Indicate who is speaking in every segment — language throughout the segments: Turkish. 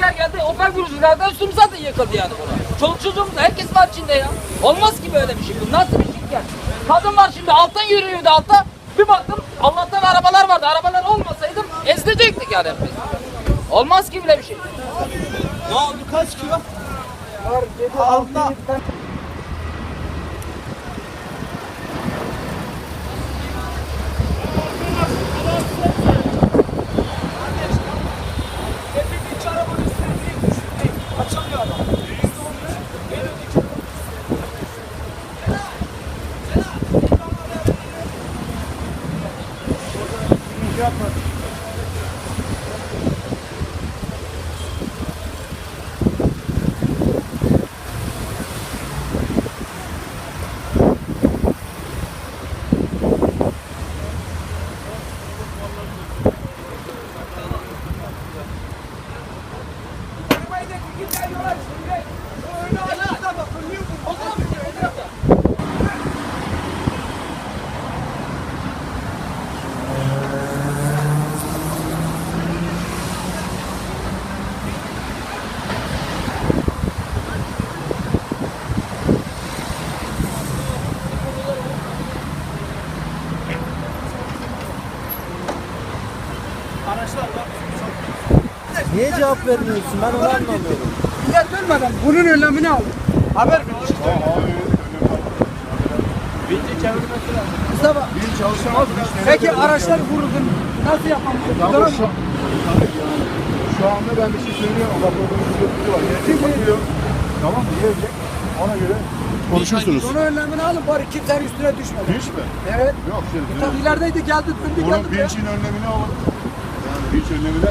Speaker 1: asker geldi. Opel vuruculardan sürü zaten yıkıldı yani buna. Çoluk çocuğumuz herkes var içinde ya. Olmaz ki böyle bir şey. Bu nasıl bir şey ya? Kadın var şimdi alttan yürüyordu altta. Bir baktım Allah'tan arabalar vardı. Arabalar olmasaydı ezilecektik yani biz. Olmaz ki bile bir şey.
Speaker 2: Ne oldu? Kaç kilo? Altta.
Speaker 3: Niye cevap vermiyorsun? Ben onu anlamıyorum.
Speaker 2: Millet ölmeden bunun önlemini al. Haber ver. Mustafa. Peki araçlar vuruldu. Nasıl yapalım?
Speaker 4: Tamam, şu anda ben bir şey söylüyorum. Raporda bir sürü var. Gelecek bakıyor. Tamam mı? Gelecek. Ona göre konuşursunuz.
Speaker 2: Bunun önlemini alın bari kimsenin üstüne düşmedi.
Speaker 4: Hiç mi?
Speaker 2: Evet.
Speaker 4: Yok şimdi.
Speaker 2: Tam ilerideydi geldi döndü
Speaker 4: Bunun
Speaker 2: geldi.
Speaker 4: bilinçin önlemini alın. Yani bilinç önlemine.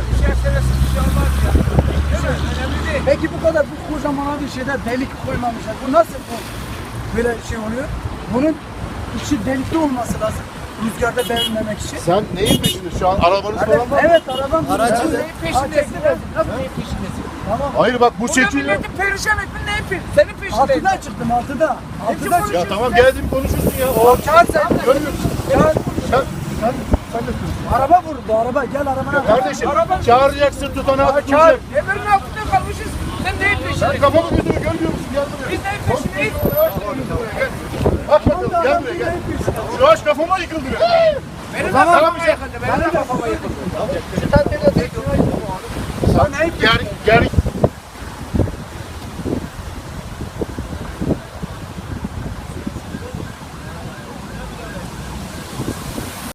Speaker 2: Peki bu kadar bu kocaman bir şeyde delik koymamışlar. Bu nasıl bu böyle şey oluyor? Bunun içi delikli olması lazım. Rüzgarda devrilmemek için.
Speaker 4: Sen neyin peşinde şu an? Arabanız falan var mı?
Speaker 2: Evet arabam.
Speaker 3: Aracı
Speaker 2: neyin peşindesin? Nasıl neyin peşindesin? Tamam.
Speaker 4: Hayır bak bu çekiyor.
Speaker 1: Milletin perişan etmin neyin peşin? Senin peşindeyin.
Speaker 2: Altıda çıktım altıda. Altıda çıktım.
Speaker 4: Ya tamam geldim konuşursun ya. O
Speaker 2: Çağır sen.
Speaker 4: görmüyor musun?
Speaker 2: Çağır.
Speaker 4: Sen de konuş.
Speaker 2: Araba vurdu araba. Gel arabana.
Speaker 4: Kardeşim çağıracaksın tutanağı
Speaker 2: Çağır.
Speaker 4: tutacak.
Speaker 1: Emirin altında kalmışız. Sen neyin
Speaker 4: Sen
Speaker 1: peşindesin?
Speaker 4: kafamı gözümü görmüyor musun? Gel buraya.
Speaker 1: Biz neyin peşindeyiz?
Speaker 4: Bak bakalım gel buraya gel. Şu ağaç kafama yıkıldı ya.
Speaker 1: Benim de
Speaker 4: Tamam.
Speaker 1: kafama yıkıldı. Benim de kafama yıkıldı.
Speaker 2: Sen
Speaker 4: Ger